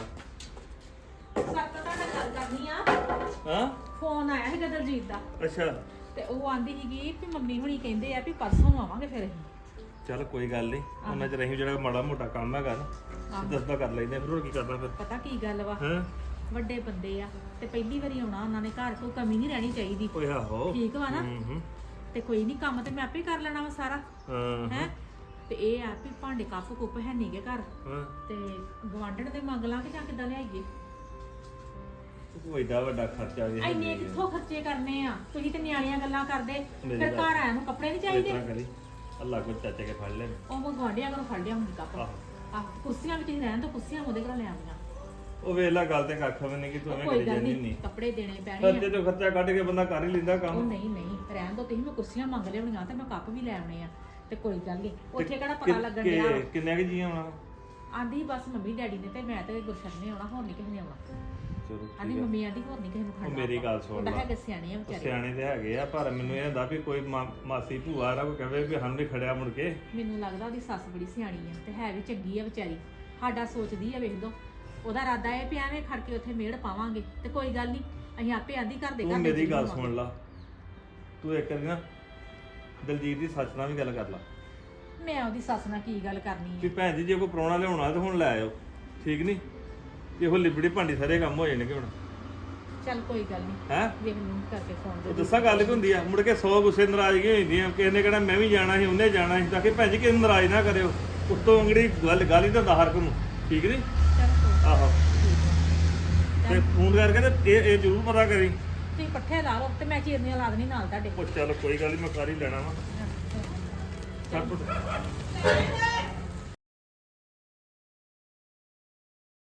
S5: ਸੱਤ ਤਾਂ ਮੈਂ ਗੱਲ ਕਰਨੀ ਆ
S6: ਹਾਂ
S5: ਫੋਨ ਆਇਆ ਸੀ ਦਲਜੀਤ ਦਾ
S6: ਅੱਛਾ
S5: ਤੇ ਉਹ ਆਂਦੀ ਸੀਗੀ ਵੀ ਮੰਮੀ ਹੁਣੀ ਕਹਿੰਦੇ ਆ ਵੀ ਪਰਸੋਂ ਨੂੰ ਆਵਾਂਗੇ ਫਿਰ ਅਸੀਂ
S6: ਚੱਲ ਕੋਈ ਗੱਲ ਨਹੀਂ ਉਹਨਾਂ ਚ ਰਹੀ ਜਿਹੜਾ ਮਾੜਾ ਮੋਟਾ ਕੰਮ ਹੈਗਾ ਨਾ ਦੱਸਦਾ ਕਰ ਲੈਂਦੇ ਆ, ਫਿਰ ਹੋਰ ਕੀ ਕਰਨਾ ਫਿਰ
S5: ਪਤਾ ਕੀ ਗੱਲ ਵਾ
S6: ਹਾਂ
S5: ਵੱਡੇ ਬੰਦੇ ਆ ਤੇ ਪਹਿਲੀ ਵਾਰੀ ਆਉਣਾ ਉਹਨਾਂ ਨੇ ਘਰ ਕੋਈ ਕਮੀ ਨਹੀਂ ਰਹਿਣੀ ਚਾਹੀਦੀ
S6: ਓਏ ਆਹੋ
S5: ਠੀਕ ਵਾ ਨਾ
S6: ਹੂੰ
S5: ਤੇ ਕੋਈ ਨਹੀਂ ਕੰਮ ਤੇ ਮੈਂ ਆਪੇ ਕਰ ਲੈਣਾ ਵਾ ਸਾਰਾ
S6: ਹਾਂ
S5: ਹੈ ਤੇ ਇਹ ਆ ਵੀ ਭਾਂਡੇ ਕੱਪ ਕੁੱਪ ਹੈ ਨਹੀਂਗੇ ਘਰ
S6: ਹਾਂ
S5: ਤੇ ਗਵਾਂਢਣ ਦੇ ਮੰਗ ਲਾਂ ਕਿ ਜਾਂ ਕਿੱਦਾਂ ਲਿਆਈਏ
S6: ਕੋਈ ਏਡਾ ਵੱਡਾ ਖਰਚਾ ਵੀ ਹੈ
S5: ਇੰਨੇ ਕਿੱਥੋਂ ਖਰਚੇ ਕਰਨੇ ਆ ਤੁਸੀਂ ਤੇ ਨਿਆਣੀਆਂ ਗੱਲਾਂ ਕਰਦੇ
S6: ਮੇਰੀ
S5: ਫਿਰ
S6: ਗੱਲ-
S5: ਘਰ ਆਇਆ ਨੂੰ ਕੱਪੜੇ ਨਹੀਂ
S6: ਇਸ
S5: ਚਾਹੀਦੇ
S6: ਤਰ੍ਹਾਂ ਕਰੀ ਅੱਲਾ ਕੋ ਚਾਚੇ ਕੇ ਫੜ ਲੈ
S5: ਉਹ ਮੈਂ ਗਵਾਂਢੀਆਂ ਕੋਲੋਂ ਫੜ ਲਿਆ ਹੁੰਦੀ ਕੱਪ
S6: ਆਹੋ
S5: ਆਹ ਕੁਰਸੀਆਂ ਵੀ ਤੁਸੀਂ ਰਹਿਣ ਤੋਂ ਕੁਰਸੀਆਂ ਉਹਦੇ ਕੋਲੋਂ ਲੈ ਆਉਂਦੀਆਂ
S6: ਉਹ ਵੇਲਾ ਗੱਲ ਤੇ ਕੱਖ ਵੀ ਨਹੀਂ ਕਿ ਤੂੰ ਐਵੇਂ
S5: ਕੋਈ
S6: ਕਰੀ
S5: ਗੱਲ
S6: ਜਾਂਦੀ
S5: ਨਹੀਂ
S6: ਨਹੀਂ
S5: ਕੱਪੜੇ ਦੇਣੇ ਪੈਣੇ ਆ
S6: ਖਰਚੇ ਤੋਂ ਖਰਚਾ ਕੱਢ ਕੇ ਬੰਦਾ ਕਰ ਹੀ ਲੈਂਦਾ
S5: ਉਹ
S6: ਕੰਮ
S5: ਨਹੀਂ ਨਹੀਂ ਰਹਿਣ ਦੋ ਤੁਸੀਂ ਮੈਂ ਕੁਰਸੀਆਂ ਮੰਗ ਲਿਆਉਣੀਆਂ ਤੇ ਮੈਂ ਕੱਪ ਵੀ ਲੈ ਆਉਣੇ ਆ ਤੇ ਕੋਈ ਗੱਲ ਨਹੀਂ ਉੱਥੇ ਕਿਹੜਾ ਪਤਾ ਲੱਗਣ ਡਿਆ ਵਾ।
S6: ਕਿੰਨੇ ਕਿ ਜੀ ਆਉਣਾ
S5: ਆਂਦੀ ਬਸ ਮੰਮੀ ਡੈਡੀ ਨੇ ਤੇ ਮੈਂ ਤੇ ਗੁਰਸ਼ਨ ਨੇ ਆਉਣਾ ਹੋਰ ਨਹੀਂ ਕਿਸੇ ਨੇ ਆਉਣਾ
S6: ਚਲੋ
S5: ਆਂਦੀ
S6: ਠੀਕ ਆ
S5: ਮੰਮੀ ਆਂਦੀ ਹੋਰ ਨਹੀਂ ਕਿਸੇ ਨੂੰ
S6: ਉਹ
S5: ਖੜਨਾ
S6: ਮੇਰੀ ਗੱਲ ਸੁਣ
S5: ਉਹਦਾ
S6: ਲਾ
S5: ਹੈਗੇ ਸਿਆਣੇ ਆ
S6: ਉਹ
S5: ਵਿਚਾਰੇ
S6: ਸਿਆਣੇ ਤੇ ਹੈਗੇ ਆ ਪਰ ਮੈਨੂੰ ਇਹ ਹੁੰਦਾ ਵੀ ਕੋਈ ਮਾਸੀ ਭੂਆ ਰਾ ਕੋਈ ਕਹੇ ਵੀ ਸਾਨੂੰ ਨਹੀਂ ਖੜਿਆ ਮੁੜ ਕੇ
S5: ਮੈਨੂੰ ਲੱਗਦਾ ਉਹਦੀ ਸੱਸ ਬੜੀ ਸਿਆਣੀ ਆ ਤੇ ਹੈ ਵੀ ਚੰਗੀ ਆ ਵਿਚਾਰੀ ਸਾਡਾ ਸੋਚਦੀ ਆ ਵੇਖ ਦੋ ਉਹਦਾ ਇਰਾਦਾ ਇਹ ਵੀ ਐਵੇਂ ਖੜ ਕੇ ਉੱਥੇ ਮੇੜ ਪਾਵਾਂਗੇ ਤੇ ਕੋਈ ਗੱਲ ਨਹੀਂ ਅਸੀਂ ਆਪੇ ਆਂਦੀ ਘਰ ਦੇ
S6: ਤੂੰ
S5: ਘਰ ਦੇ
S6: ਮੇਰੀ
S5: ਜੀ
S6: ਗੱਲ
S5: ਹੋਵਾਂਗੇ।
S6: ਸੁਣ ਲਾ ਤੂੰ ਇੱਕ ਵਾਰੀ ਨਾ ਦਲਜੀਤ ਦੀ ਸੱਸ ਨਾਲ ਵੀ ਗੱਲ ਕਰ ਲਾ
S5: ਮੈਂ ਉਹਦੀ ਸੱਸ ਨਾਲ ਕੀ ਗੱਲ ਕਰਨੀ
S6: ਵੀ
S5: ਆ
S6: ਭੈਣ ਜੀ ਜੇ ਕੋਈ ਪ੍ਰਾਹੁਣਾ ਲਿਆਉਣਾ ਤੇ ਹੁਣ ਲੈ ਆਇਓ ਠੀਕ ਨਹੀਂ ਇਹੋ ਲਿਬੜੀ ਭਾਂਡੀ ਸਾਰੇ ਕੰਮ ਹੋ ਜਾਣਗੇ ਹੁਣ
S5: ਚੱਲ ਕੋਈ ਗੱਲ ਨਹੀਂ
S6: ਹੈ
S5: ਵੇਖ ਲੂੰ ਕਰਕੇ ਫੋਨ
S6: ਉਹ
S5: ਦੇ
S6: ਦੱਸਾਂ ਗੱਲ ਕੀ ਹੁੰਦੀ ਆ ਮੁੜ ਕੇ 100 ਗੁੱਸੇ ਨਾਰਾਜ਼ਗੀ ਹੋ ਜਾਂਦੀ ਆ ਕਿਸੇ ਨੇ ਕਹਿਣਾ ਮੈਂ ਵੀ ਜਾਣਾ ਸੀ ਉਹਨੇ ਜਾਣਾ ਸੀ ਤਾਂ ਕਿ ਭੈਣ ਜੀ ਕਿਸੇ ਨੂੰ ਨਾਰਾਜ਼ ਨਾ ਕਰਿਓ ਉੱਤੋਂ ਅੰਗੜੀ ਗੱਲ ਹੀ ਤਾਂ ਹਰ ਨੂੰ ਠੀਕ ਨਹੀਂ
S5: ਚੱਲ ਕੋਈ
S6: ਆਹੋ ਤੇ ਫੋਨ ਕਰਕੇ ਤੇ ਇਹ ਜ਼ਰੂਰ ਪਤਾ ਕਰੀ
S5: ਤੁਸੀਂ ਪੱਠੇ ਲਾ ਲਓ ਤੇ ਮੈਂ ਚੀਰਨੀਆਂ ਲਾ ਦੇਣੀ ਨਾਲ ਤੁਹਾਡੇ
S6: ਉਹ ਚੱਲ ਕੋਈ ਗੱਲ ਨਹੀਂ ਮੈਂ ਕਰ ਹੀ ਲੈਣਾ ਵਾ ਛੱਡ ਪੁੱਤ।